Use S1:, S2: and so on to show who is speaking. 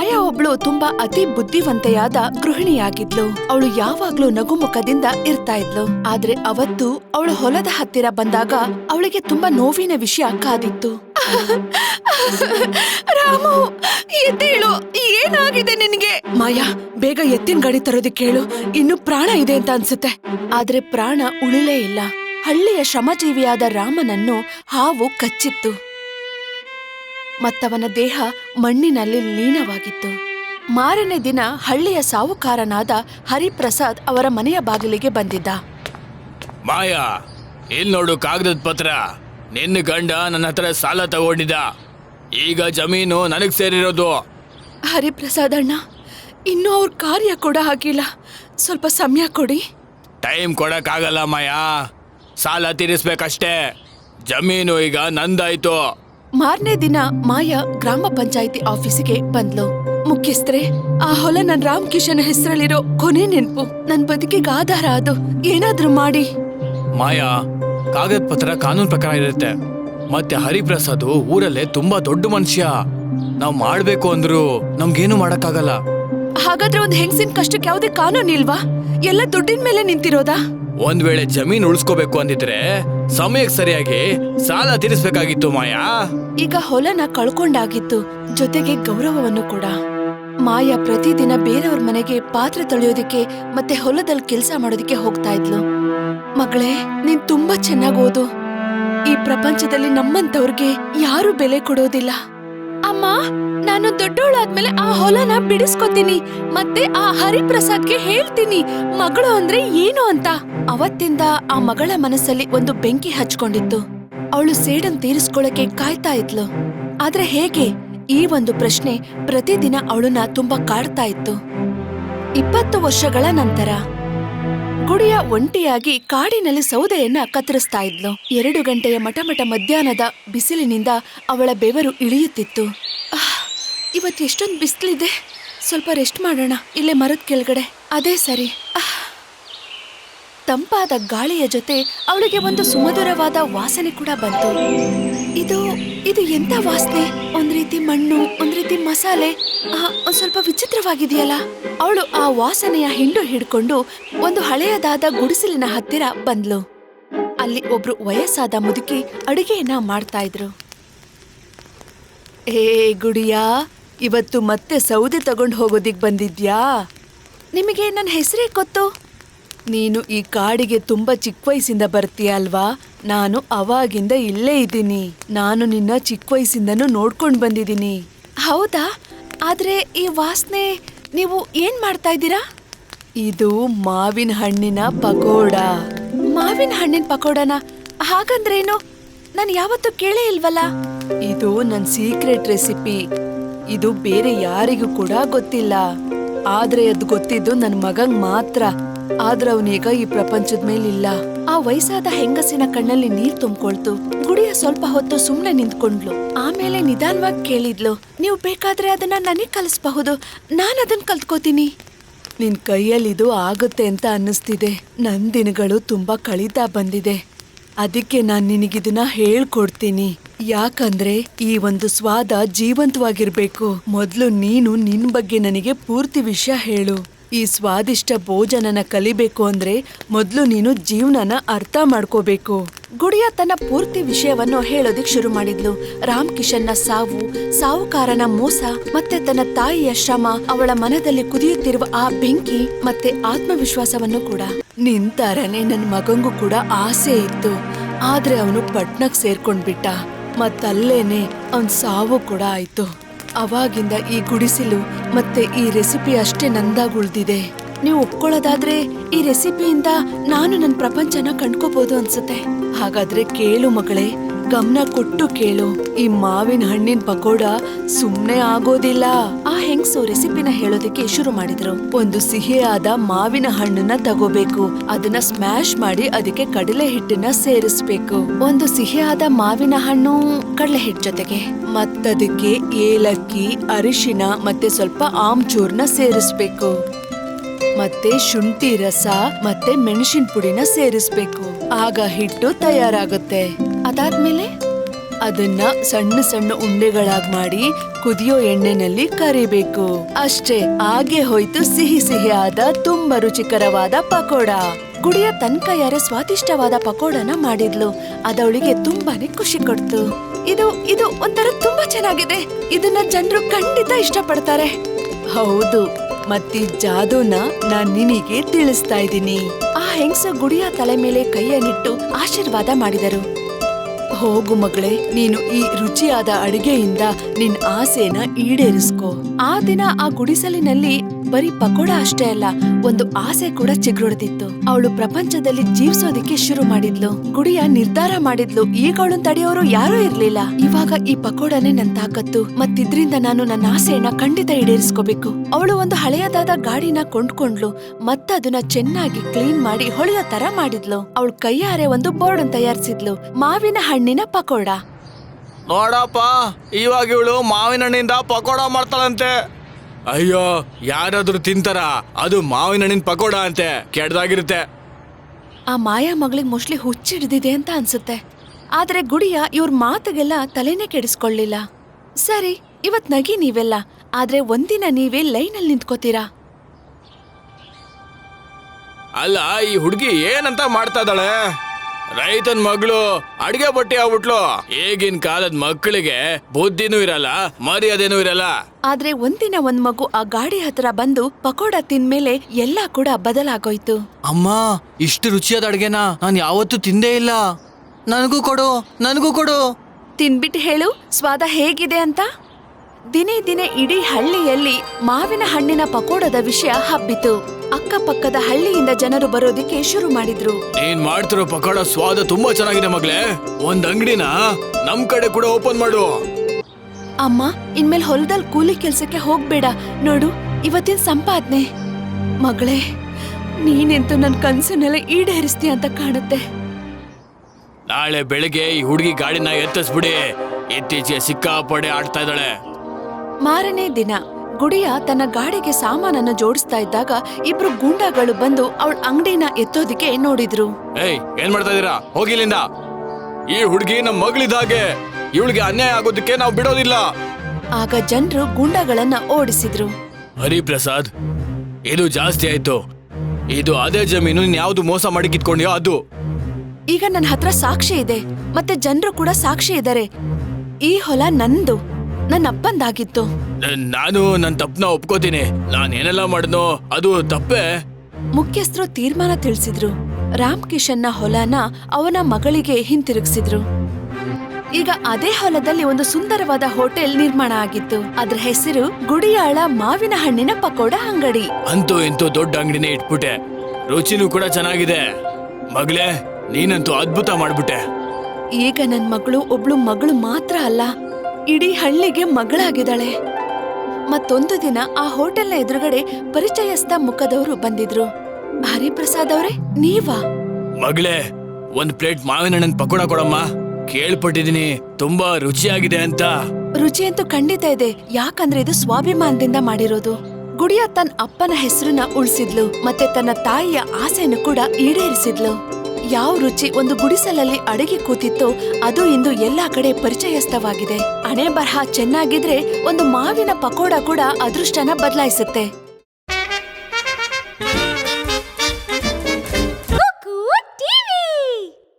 S1: ಮಾಯಾ ಒಬ್ಳು ತುಂಬಾ ಅತಿ ಬುದ್ಧಿವಂತೆಯಾದ ಗೃಹಿಣಿಯಾಗಿದ್ಲು. ಅವಳು ಯಾವಾಗ್ಲೂ ನಗುಮುಖದಿಂದ ಇರ್ತಾ ಇದ್ಲು. ಆದ್ರೆ ಅವತ್ತು ಅವಳು ಹೊಲದ ಹತ್ತಿರ ಬಂದಾಗ ಅವಳಿಗೆ ತುಂಬಾ ನೋವಿನ ವಿಷಯ ಕಾದಿತ್ತು. ರಾಮು, ಎದ್ದೇಳು, ಏನಾಗಿದೆ ನಿನಗೆ? ಮಾಯಾ, ಬೇಗ ಎತ್ತಿನ ಗಾಡಿ ತರೋದಕ್ಕೆ ಹೇಳು, ಇನ್ನು ಪ್ರಾಣ ಇದೆ ಅಂತ ಅನ್ಸುತ್ತೆ. ಆದ್ರೆ ಪ್ರಾಣ ಉಳಿಲೇ ಇಲ್ಲ. ಹಳ್ಳಿಯ ಶ್ರಮಜೀವಿಯಾದ ರಾಮನನ್ನು ಹಾವು ಕಚ್ಚಿತ್ತು. ಮತ್ತವನ ದೇಹ ಮಣ್ಣಿನಲ್ಲಿ ಲೀನವಾಗಿತ್ತು. ಮಾರನೇ ದಿನ ಹಳ್ಳಿಯ ಸಾಹುಕಾರನಾದ ಹರಿಪ್ರಸಾದ್ ಅವರ ಮನೆಯ ಬಾಗಿಲಿಗೆ ಬಂದಿದ್ದ.
S2: ಮಾಯಾ, ಇಲ್ಲಿ ನೋಡು ಕಾಗದದ ಪತ್ರ. ನಿನ್ನ ಗಂಡ ನನ್ನ ಹತ್ರ ಸಾಲ ತಗೊಂಡಿದ್ದ. ಈಗ ಜಮೀನು ನನಗ್ ಸೇರಿರೋದು.
S1: ಹರಿಪ್ರಸಾದ್ ಅಣ್ಣ, ಇನ್ನೂ ಅವ್ರ ಕಾರ್ಯ ಕೂಡ ಆಗಿಲ್ಲ. ಸ್ವಲ್ಪ ಸಮಯ ಕೊಡಿ.
S2: ಟೈಮ್ ಕೊಡಕ್ಕಾಗಲ್ಲ ಮಾಯಾ, ಸಾಲ ತೀರಿಸ್ಬೇಕಷ್ಟೇ. ಜಮೀನು ಈಗ ನಂದಾಯ್ತು.
S1: ಮಾರನೇ ದಿನ ಮಾಯಾ ಗ್ರಾಮ ಪಂಚಾಯಿತಿ ಆಫೀಸಿಗೆ ಬಂದ್ಲು. ಮುಖ್ಯಸ್ಥರೇ, ಆ ಹೊಲ ನನ್ ರಾಮ್ ಕಿಶನ್ ಹೆಸರಲ್ಲಿರೋ ಕೊನೆ ನೆನ್ಪು. ನನ್ ಬದುಕಿಗೆ ಆಧಾರ ಅದು. ಏನಾದ್ರೂ ಮಾಡಿ.
S2: ಮಾಯಾ, ಕಾಗದ ಪತ್ರ ಕಾನೂನು ಪ್ರಕಾರ ಇರುತ್ತೆ. ಮತ್ತೆ ಹರಿಪ್ರಸಾದ್ ಊರಲ್ಲೇ ತುಂಬಾ ದೊಡ್ಡ ಮನುಷ್ಯ. ನಾವ್ ಮಾಡ್ಬೇಕು ಅಂದ್ರು ನಮ್ಗೇನು ಮಾಡಕ್ಕಾಗಲ್ಲ.
S1: ಹಾಗಾದ್ರೆ ಒಂದ್ ಹೆಂಗಸಿನ ಕಷ್ಟಕ್ಕೆ ಯಾವುದೇ ಕಾನೂನು ಇಲ್ವಾ? ಎಲ್ಲ ದುಡ್ಡಿನ ಮೇಲೆ ನಿಂತಿರೋದಾ?
S2: ಒಂದ್ ವೇಳೆ ಜಮೀನ್ ಉಳಿಸ್ಕೋಬೇಕು ಅಂದಿದ್ರೆ ಸಮಯಕ್ಕೆ ಸರಿಯಾಗಿ ಸಾಲ ತೀರಿಸ್ಬೇಕಾಗಿತ್ತು ಮಾಯಾ.
S1: ಈಗ ಹೊಲನ ಕಳ್ಕೊಂಡಾಗಿತ್ತು, ಜೊತೆಗೆ ಗೌರವವನ್ನು ಕೂಡ. ಮಾಯಾ ಪ್ರತಿದಿನ ಬೇರೆಯವ್ರ ಮನೆಗೆ ಪಾತ್ರೆ ತೊಳೆಯೋದಿಕ್ಕೆ ಮತ್ತೆ ಹೊಲದಲ್ಲಿ ಕೆಲ್ಸ ಮಾಡೋದಿಕ್ಕೆ ಹೋಗ್ತಾ ಇದ್ಲು. ಮಗಳೇ, ನೀನ್ ತುಂಬಾ ಚೆನ್ನಾಗ್ ಓದು. ಈ ಪ್ರಪಂಚದಲ್ಲಿ ನಮ್ಮಂತವ್ರಿಗೆ ಯಾರು ಬೆಲೆ ಕೊಡೋದಿಲ್ಲ. ಅಮ್ಮ, ನಾನು ದೊಡ್ಡವಳಾದ್ಮೇಲೆ ಆ ಹೊಲನ ಬಿಡಿಸ್ಕೊತೀನಿ, ಮತ್ತೆ ಆ ಹರಿಪ್ರಸಾದ್ಗೆ ಹೇಳ್ತೀನಿ ಮಗಳು ಅಂದ್ರೆ ಏನು ಅಂತ. ಅವತ್ತಿಂದ ಆ ಮಗಳ ಮನಸ್ಸಲ್ಲಿ ಒಂದು ಬೆಂಕಿ ಹಚ್ಕೊಂಡಿತ್ತು. ಅವಳು ಸೇಡನ್ ತೀರಿಸ್ಕೊಳಕ್ಕೆ ಕಾಯ್ತಾ ಇದ್ಲು. ಆದ್ರೆ ಹೇಗೆ? ಈ ಒಂದು ಪ್ರಶ್ನೆ ಪ್ರತಿದಿನ ಅವಳನ್ನ ತುಂಬಾ ಕಾಡ್ತಾ ಇತ್ತು. 20 ವರ್ಷಗಳ ನಂತರ ಗುಡಿಯ ಒಂಟಿಯಾಗಿ ಕಾಡಿನಲ್ಲಿ ಸೌದೆಯನ್ನ ಕತ್ತರಿಸ್ತಾ ಇದ್ಲು. 2 ಗಂಟೆಯ ಮಟಮಟ ಮಧ್ಯಾಹ್ನದ ಬಿಸಿಲಿನಿಂದ ಅವಳ ಬೆವರು ಇಳಿಯುತ್ತಿತ್ತು. ಇವತ್ತು ಎಷ್ಟೊಂದು ಬಿಸಿಲಿದೆ, ಸ್ವಲ್ಪ ರೆಸ್ಟ್ ಮಾಡೋಣ ಇಲ್ಲೇ ಮರದ ಕೆಳಗಡೆ. ಅದೇ ಸರಿ. ತಂಪಾದ ಗಾಳಿಯ ಜೊತೆ ಅವಳಿಗೆ ಒಂದು ಸುಮಧುರವಾದ ವಾಸನೆ ಕೂಡ ಬಂತು. ಇದು ಎಂತ ವಾಸನೆ? ಒಂದ್ ರೀತಿ ಮಣ್ಣು, ಒಂದ್ ರೀತಿ ಮಸಾಲೆ, ಒಂದ್ ಸ್ವಲ್ಪ ವಿಚಿತ್ರವಾಗಿದೆಯಲ್ಲ. ಅವಳು ಆ ವಾಸನೆಯ ಹಿಂಡು ಹಿಡ್ಕೊಂಡು ಒಂದು ಹಳೆಯದಾದ ಗುಡಿಸಲಿನ ಹತ್ತಿರ ಬಂದ್ಲು. ಅಲ್ಲಿ ಒಬ್ರು ವಯಸ್ಸಾದ ಮುದುಕಿ ಅಡುಗೆಯನ್ನ ಮಾಡ್ತಾ ಇದ್ರು. ಏ ಗುಡಿಯಾ, ಇವತ್ತು ಮತ್ತೆ ಸೌದೆ ತಗೊಂಡು ಹೋಗೋದಿಕ್ ಬಂದಿದ್ಯಾ? ನಿಮಗೆ ನನ್ನ ಹೆಸರೇ ಗೊತ್ತು. ನೀನು ಈ ಕಾಡಿಗೆ ತುಂಬಾ ಚಿಕ್ಕ ವಯಸ್ಸಿಂದ ಬರ್ತೀಯ ಅಲ್ವಾ? ನಾನು ಅವಾಗಿಂದ ಇಲ್ಲೇ ಇದ್ದೀನಿ. ನಾನು ನಿನ್ನ ಚಿಕ್ಕ ವಯಸ್ಸಿಂದನೂ ನೋಡ್ಕೊಂಡು ಬಂದಿದ್ದೀನಿ. ಹೌದಾ? ಆದ್ರೆ ಈ ವಾಸನೆ, ನೀವು ಏನ್ ಮಾಡ್ತಾ ಇದ್ದೀರಾ? ಇದು ಮಾವಿನ ಹಣ್ಣಿನ ಪಕೋಡ. ಮಾವಿನ ಹಣ್ಣಿನ ಪಕೋಡನ? ಹಾಗಂದ್ರೇನು? ನಾನು ಯಾವತ್ತೂ ಕೇಳೇ ಇಲ್ವಲ್ಲ. ಇದು ನನ್ನ ಸೀಕ್ರೆಟ್ ರೆಸಿಪಿ. ಇದು ಬೇರೆ ಯಾರಿಗೂ ಕೂಡ ಗೊತ್ತಿಲ್ಲ. ಆದ್ರೆ ಅದು ಗೊತ್ತಿದ್ದು ನನ್ನ ಮಗಂಗ್ ಮಾತ್ರ. ಆದ್ರೆ ಅವನೀಗ ಈ ಪ್ರಪಂಚದ ಮೇಲಿಲ್ಲ. ಆ ವಯಸ್ಸಾದ ಹೆಂಗಸಿನ ಕಣ್ಣಲ್ಲಿ ನೀರ್ ತುಂಬಿಕೊಳ್ತು. ಗುಡಿಯ ಸ್ವಲ್ಪ ಹೊತ್ತು ಸುಮ್ನೆ ನಿಂತ್ಕೊಂಡ್ಲು. ಆಮೇಲೆ ನಿಧಾನವಾಗಿ ಕೇಳಿದ್ಲು, ನೀವು ಬೇಕಾದ್ರೆ ಅದನ್ನ ನನಗ್ ಕಲಿಸಬಹುದು, ನಾನು ಅದನ್ನ ಕಲ್ತ್ಕೋತೀನಿ. ನಿನ್ ಕೈಯಲ್ಲಿ ಇದು ಆಗುತ್ತೆ ಅಂತ ಅನ್ನಿಸ್ತಿದೆ. ನನ್ ದಿನಗಳು ತುಂಬಾ ಕಳೀತಾ ಬಂದಿದೆ. ಅದಕ್ಕೆ ನಾನ್ ನಿನಗಿದನ್ನ ಹೇಳ್ಕೊಡ್ತೀನಿ. ಯಾಕಂದ್ರೆ ಈ ಒಂದು ಸ್ವಾದ ಜೀವಂತವಾಗಿರ್ಬೇಕು. ಮೊದ್ಲು ನೀನು ನಿನ್ ಬಗ್ಗೆ ನನಗೆ ಪೂರ್ತಿ ವಿಷಯ ಹೇಳು. ಈ ಸ್ವಾದಿಷ್ಟ ಭೋಜನನ ಕಲಿಬೇಕು ಅಂದ್ರೆ ಮೊದ್ಲು ನೀನು ಜೀವನನ ಅರ್ಥ ಮಾಡ್ಕೋಬೇಕು. ಗುಡಿಯ ತನ್ನ ಪೂರ್ತಿ ವಿಷಯವನ್ನು ಹೇಳೋದಿಕ್ ಶುರು ಮಾಡಿದ್ಲು. ರಾಮ್ ಕಿಶನ್ನ ಸಾವು, ಸಾಹುಕಾರನ ಮೋಸ, ಮತ್ತೆ ತನ್ನ ತಾಯಿಯ ಶ್ರಮ, ಅವಳ ಮನದಲ್ಲಿ ಕುದಿಯುತ್ತಿರುವ ಆ ಬೆಂಕಿ, ಮತ್ತೆ ಆತ್ಮವಿಶ್ವಾಸವನ್ನು ಕೂಡ. ನಿಂತಾರನೆ ನನ್ ಮಗಂಗೂ ಕೂಡ ಆಸೆ ಇತ್ತು. ಆದ್ರೆ ಅವನು ಪಟ್ನಕ್ ಸೇರ್ಕೊಂಡ್ಬಿಟ್ಟ. ಮತ್ತಲ್ಲೇನೆ ಅವನ್ ಸಾವು ಕೂಡ ಆಯ್ತು. ಅವಾಗಿಂದ ಈ ಗುಡಿಸಿಲು ಮತ್ತೆ ಈ ರೆಸಿಪಿ ಅಷ್ಟೇ ನಂದಾಗ್ ಉಳ್ದಿದೆ. ನೀವು ಒಪ್ಕೊಳ್ಳೋದಾದ್ರೆ ಈ ರೆಸಿಪಿಯಿಂದ ನಾನು ನನ್ನ ಪ್ರಪಂಚನ ಕಂಡ್ಕೋಬಹುದು ಅನ್ಸುತ್ತೆ. ಹಾಗಾದ್ರೆ ಕೇಳು ಮಗಳೇ, ಗಮನ ಕೊಟ್ಟು ಕೇಳು. ಈ ಮಾವಿನ ಹಣ್ಣಿನ ಪಕೋಡ ಸುಮ್ನೆ ಆಗೋದಿಲ್ಲ. ಆ ಹೆಂಗ್ಸು ರೆಸಿಪಿನ ಹೇಳೋದಕ್ಕೆ ಶುರು ಮಾಡಿದ್ರು. ಒಂದು ಸಿಹಿಯಾದ ಮಾವಿನ ಹಣ್ಣನ್ನ ತಗೋಬೇಕು. ಅದನ್ನ ಸ್ಮ್ಯಾಶ್ ಮಾಡಿ ಅದಕ್ಕೆ ಕಡಲೆ ಹಿಟ್ಟನ್ನ ಸೇರಿಸ್ಬೇಕು. ಒಂದು ಸಿಹಿಯಾದ ಮಾವಿನ ಹಣ್ಣು ಕಡಲೆ ಹಿಟ್ಟು ಜೊತೆಗೆ ಮತ್ತದಕ್ಕೆ ಏಲಕ್ಕಿ, ಅರಿಶಿನ ಮತ್ತೆ ಸ್ವಲ್ಪ ಆಮ್ಚೂರ್ನ ಸೇರಿಸ್ಬೇಕು. ಮತ್ತೆ ಶುಂಠಿ ರಸ ಮತ್ತೆ ಮೆಣಸಿನ ಪುಡಿನ ಸೇರಿಸ್ಬೇಕು. ಆಗ ಹಿಟ್ಟು ತಯಾರಾಗುತ್ತೆ. ಅದಾದ್ಮೇಲೆ ಅದನ್ನ ಸಣ್ಣ ಸಣ್ಣ ಉಂಡೆಗಳಾಗಿ ಮಾಡಿ ಕುದಿಯೋ ಎಣ್ಣೆನಲ್ಲಿ ಕರಿಬೇಕು. ಅಷ್ಟೇ, ಹಾಗೆ ಹೋಯ್ತು ಸಿಹಿ ಸಿಹಿಯಾದ ತುಂಬಾ ರುಚಿಕರವಾದ ಪಕೋಡ. ಗುಡಿಯ ತನ್ನ ಕೈಯಾರೆ ಸ್ವಾದಿಷ್ಟವಾದ ಪಕೋಡನ ಮಾಡಿದ್ಲು. ಅದವಳಿಗೆ ತುಂಬಾನೇ ಖುಷಿ ಕೊಡ್ತು. ಇದು ಇದು ಒಂಥರ ತುಂಬಾ ಚೆನ್ನಾಗಿದೆ. ಇದನ್ನ ಜನರು ಖಂಡಿತ ಇಷ್ಟಪಡ್ತಾರೆ. ಹೌದು, ಮತ್ತಿ ಜಾದೂನ ನಾನ್ ನಿನಗೆ ತಿಳಿಸ್ತಾ ಇದ್ದೀನಿ. ಆ ಹೆಂಗಸ ಗುಡಿಯ ತಲೆ ಮೇಲೆ ಕೈಯನ್ನಿಟ್ಟು ಆಶೀರ್ವಾದ ಮಾಡಿದರು. ಹೋಗು ಮಗಳೇ, ನೀನು ಈ ರುಚಿಯಾದ ಅಡಿಗೆಯಿಂದ ನಿನ್ ಆಸೆನ ಈಡೇರಿಸ್ಕೋ. ಆ ದಿನ ಆ ಗುಡಿಸಲಿನಲ್ಲಿ ಬರೀ ಪಕೋಡ ಅಷ್ಟೇ ಅಲ್ಲ, ಒಂದು ಆಸೆ ಕೂಡ ಚಿಗುರೊಡೆದಿತ್ತು. ಅವಳು ಪ್ರಪಂಚದಲ್ಲಿ ಜೀವಿಸೋದಿಕ್ಕೆ ಶುರು ಮಾಡಿದ್ಲು. ಗುಡಿಯ ನಿರ್ಧಾರ ಮಾಡಿದ್ಲು, ಈಗ ಅವಳನ್ನ ತಡೆಯೋರು ಯಾರೂ ಇರ್ಲಿಲ್ಲ. ಇವಾಗ ಈ ಪಕೋಡನೇ ನನ್ ತಾಕತ್ತು, ಮತ್ತಿದ್ರಿಂದ ನಾನು ನನ್ನ ಆಸೆಯನ್ನ ಖಂಡಿತ ಈಡೇರಿಸ್ಕೋಬೇಕು. ಅವಳು ಒಂದು ಹಳೆಯದಾದ ಗಾಡಿನ ಕೊಂಡ್ಕೊಂಡ್ಲು, ಮತ್ತದನ್ನ ಚೆನ್ನಾಗಿ ಕ್ಲೀನ್ ಮಾಡಿ ಹೊಳೆಯೋ ತರ ಮಾಡಿದ್ಲು. ಅವಳು ಕೈಯಾರೆ ಒಂದು ಬೋರ್ಡ್ ತಯಾರಿಸಿದ್ಲು, ಮಾವಿನ ಹಣ್ಣಿನ ಪಕೋಡ.
S2: ನೋಡಪ್ಪ, ಇವಾಗ ಇವಳು ಮಾವಿನ ಹಣ್ಣಿಂದ ಪಕೋಡ ಮಾಡ್ತಾಳಂತೆ. ಅಯ್ಯೋ, ಯಾರಾದ್ರೂ ತಿಂತಾರ? ಅದು ಮಾವಿನ ಹಣ್ಣಿನ ಪಕೋಡ ಅಂತೆ, ಕೆಡ್ದಾಗಿರುತ್ತೆ.
S1: ಆ ಮಾಯಾ ಮಗಳಿಗೆ ಮೋಸ್ಟ್ಲಿ ಹುಚ್ಚಿಡ್ದಿದೆ ಅಂತ ಅನ್ಸುತ್ತೆ. ಆದ್ರೆ ಗುಡಿಯ ಇವ್ರ ಮಾತಿಗೆಲ್ಲ ತಲೆನೇ ಕೆಡಿಸ್ಕೊಳ್ಳಿಲ್ಲ. ಸರಿ, ಇವತ್ ನಗಿ ನೀವೆಲ್ಲ, ಆದ್ರೆ ಒಂದಿನ ನೀವೇ ಲೈನಲ್ಲಿ ನಿಂತ್ಕೋತೀರಾ.
S2: ಅಲ್ಲ, ಈ ಹುಡುಗಿ ಏನಂತ ಮಾಡ್ತಾ ಇದ್ದಾಳೆ? ರೈತನ್ ಮಗಳು ಅಡ್ಗೆ ಬಟ್ಟೆ ಆಗ್ಬಿಟ್ಲು. ಈಗಿನ ಕಾಲದ ಮಕ್ಕಳಿಗೆ ಬುದ್ಧಿನೂ ಇರಲ್ಲ, ಮರ್ಯಾದೆನೂ ಇರಲ್ಲ.
S1: ಆದ್ರೆ ಒಂದಿನ ಒಂದ್ ಮಗು ಆ ಗಾಡಿ ಹತ್ರ ಬಂದು ಪಕೋಡ ತಿಂದ್ಮೇಲೆ ಎಲ್ಲಾ ಕೂಡ ಬದಲಾಗೋಯ್ತು.
S2: ಅಮ್ಮ, ಇಷ್ಟು ರುಚಿಯಾದ ಅಡ್ಗೆನ ನಾನು ಯಾವತ್ತೂ ತಿಂದೇ ಇಲ್ಲ. ನನಗೂ ಕೊಡು, ನನಗೂ ಕೊಡು.
S1: ತಿನ್ಬಿಟ್ಟು ಹೇಳು ಸ್ವಾದ ಹೇಗಿದೆ ಅಂತ. ದಿನೇ ದಿನೇ ಇಡೀ ಹಳ್ಳಿಯಲ್ಲಿ ಮಾವಿನ ಹಣ್ಣಿನ ಪಕೋಡದ ವಿಷಯ ಹಬ್ಬಿತು. ಅಕ್ಕಪಕ್ಕದ ಹಳ್ಳಿಯಿಂದ ಜನರು ಬರೋದಿಕ್ಕೆ ಶುರು ಮಾಡಿದ್ರು.
S2: ನೀನ್ ಮಾಡ್ತಿರೋ ಪಕೋಡ ಸ್ವಾದ ತುಂಬಾ ಚೆನ್ನಾಗಿದೆ ಮಗಳೇ. ಒಂದ್ ಅಂಗಡಿನ ನಮ್ ಕಡೆ ಕೂಡ ಓಪನ್ ಮಾಡು.
S1: ಅಮ್ಮ, ಇನ್ಮೇಲೆ ಹೊಲದಲ್ಲಿ ಕೂಲಿ ಕೆಲ್ಸಕ್ಕೆ ಹೋಗ್ಬೇಡ. ನೋಡು, ಇವತ್ತಿನ ಸಂಪಾದನೆ. ಮಗಳೇ, ನೀನೆಂತೂ ನನ್ ಕನ್ಸನ್ನೆಲ್ಲ ಈಡೇರಿಸ್ತೀಯ ಅಂತ ಕಾಣುತ್ತೆ.
S2: ನಾಳೆ ಬೆಳಿಗ್ಗೆ ಈ ಹುಡುಗಿ ಗಾಡಿನ ಎತ್ತಿಸ್ಬಿಡಿ. ಇತ್ತೀಚೆಗೆ ಸಿಕ್ಕಾಪಡೆ ಆಡ್ತಾ ಇದ್ದಾಳೆ.
S1: ಮಾರನೇ ದಿನ ಗುಡಿಯ ತನ್ನ ಗಾಡಿಗೆ ಸಾಮಾನನ್ನ ಜೋಡಿಸ್ತಾ ಇದ್ದಾಗ ಇಬ್ರು ಗೂಂಡಾಗಳು ಬಂದು ಅವಳ ಅಂಗಡಿನ ಎತ್ತೋದಿಕ್ಕೆ ನೋಡಿದ್ರು.
S2: ಏಯ್, ಏನ್ ಮಾಡ್ತಾ ಇದೀರಾ? ಹೋಗಿಲ್ಲಿಂದ. ಈ ಹುಡುಗಿ ನಮ್ ಮಗಳಿದ ಹಾಗೆ, ಇವಳಿಗೆ ಅನ್ಯಾಯ ಆಗೋದಕ್ಕೆ ನಾವು ಬಿಡೋದಿಲ್ಲ.
S1: ಆಗ ಜನರು ಗೂಂಡಾಗಳನ್ನ ಓಡಿಸಿದ್ರು.
S2: ಹರಿಪ್ರಸಾದ್, ಇದು ಜಾಸ್ತಿ ಆಯ್ತು. ಇದು ಅದೇ ಜಮೀನು, ನೀನ್ ಯಾವ್ದು ಮೋಸ ಮಾಡಿ ಕಿತ್ಕೊಂಡ್ಯೋ ಅದು.
S1: ಈಗ ನನ್ನ ಹತ್ರ ಸಾಕ್ಷಿ ಇದೆ, ಮತ್ತೆ ಜನರು ಕೂಡ ಸಾಕ್ಷಿ ಇದ್ದಾರೆ. ಈ ಹೊಲ ನಂದು, ನನ್ನ ಅಪ್ಪಂದಾಗಿತ್ತು.
S2: ನಾನು ನನ್ನ ತಪ್ಪನ ಒಪ್ಕೋತೀನಿ. ನಾನೇನೆಲ್ಲ ಮಾಡಿದ್ನೋ ಅದು ತಪ್ಪೇ.
S1: ಮುಖ್ಯಸ್ಥರು ತೀರ್ಮಾನ ತಿಳಿಸಿದ್ರು. ರಾಮ್ ಕಿಶನ್ನ ಹೊಲನ ಅವನ ಮಗಳಿಗೆ ಹಿಂತಿರುಗಿಸಿದ್ರು. ಈಗ ಅದೇ ಹೊಲದಲ್ಲಿ ಒಂದು ಸುಂದರವಾದ ಹೋಟೆಲ್ ನಿರ್ಮಾಣ ಆಗಿತ್ತು. ಅದ್ರ ಹೆಸರು ಗುಡಿಯಾಳ ಮಾವಿನ ಹಣ್ಣಿನ ಪಕೋಡ ಅಂಗಡಿ.
S2: ಅಂತೂ ಇಂತೂ ದೊಡ್ಡ ಅಂಗಡಿನೇ ಇಟ್ಬಿಟ್ಟೆ. ರುಚಿನೂ ಕೂಡ ಚೆನ್ನಾಗಿದೆ. ಮಗಳೇ, ನೀನಂತೂ ಅದ್ಭುತ ಮಾಡ್ಬಿಟ್ಟೆ.
S1: ಈಗ ನನ್ ಮಗಳು ಒಬ್ಳು ಮಗಳು ಮಾತ್ರ ಅಲ್ಲ, ಇಡೀ ಹಳ್ಳಿಗೆ ಮಗಳಾಗಿದ್ದಾಳೆ. ಮತ್ತೊಂದು ದಿನ ಆ ಹೋಟೆಲ್ನ ಎದುರುಗಡೆ ಪರಿಚಯಸ್ಥ ಮುಖದವರು ಬಂದಿದ್ರು. ಹರಿಪ್ರಸಾದ್ ಅವರೇ, ನೀವಾ?
S2: ಮಗಳೇ, ಒಂದ್ ಪ್ಲೇಟ್ ಮಾವಿನ ಹಣ್ಣಿನ ಪಕೋಡ ಕೊಡಮ್ಮ. ಕೇಳ್ಪಟ್ಟಿದೀನಿ ತುಂಬಾ ರುಚಿಯಾಗಿದೆ ಅಂತ.
S1: ರುಚಿ ಅಂತೂ ಖಂಡಿತ ಇದೆ, ಯಾಕಂದ್ರೆ ಇದು ಸ್ವಾಭಿಮಾನದಿಂದ ಮಾಡಿರೋದು. ಗುಡಿಯ ತನ್ನ ಅಪ್ಪನ ಹೆಸರನ್ನ ಉಳಿಸಿದ್ಲು, ಮತ್ತೆ ತನ್ನ ತಾಯಿಯ ಆಸೆಯನ್ನು ಕೂಡ ಈಡೇರಿಸಿದ್ಲು. ಯಾವ ರುಚಿ ಒಂದು ಗುಡಿಸಲಲ್ಲಿ ಅಡಗಿ ಕೂತಿತ್ತೋ ಅದು ಇಂದು ಎಲ್ಲಾ ಕಡೆ ಪರಿಚಯಸ್ಥವಾಗಿದೆ. ಹಣೆ ಬರಹ ಚೆನ್ನಾಗಿದ್ರೆ ಒಂದು ಮಾವಿನ ಪಕೋಡ ಕೂಡ ಅದೃಷ್ಟನ ಬದಲಾಯಿಸುತ್ತೆ.